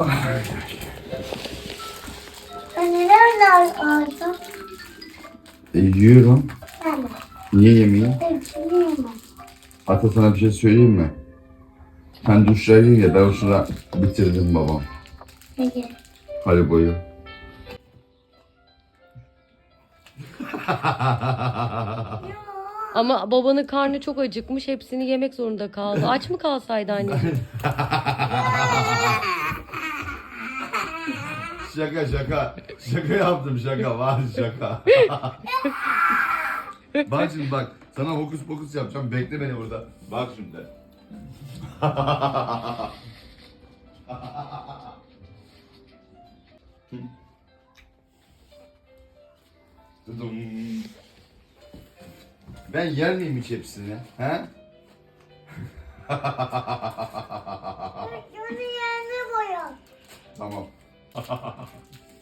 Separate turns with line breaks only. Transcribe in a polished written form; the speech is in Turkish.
Neden aldın?
Yiyorum.
Ben de.
Niye yemeyeyim?
Hepsini yemem.
Hatta sana bir şey söyleyeyim mi? Sen duşla gir ya, ben o sıra bitirdim babam.
Peki.
Haribo'yu.
Ama babanın karnı çok acıkmış. Hepsini yemek zorunda kaldı. Aç mı kalsaydı anneciğim?
Şaka şaka. Şaka yaptım, şaka var şaka. Bak şimdi bak. Sana hokus pokus yapacağım. Bekle beni burada. Bak şimdi. Dıdım. Ben yer miyim hiç hepsini? He?
Şunu yerine boya.
Tamam.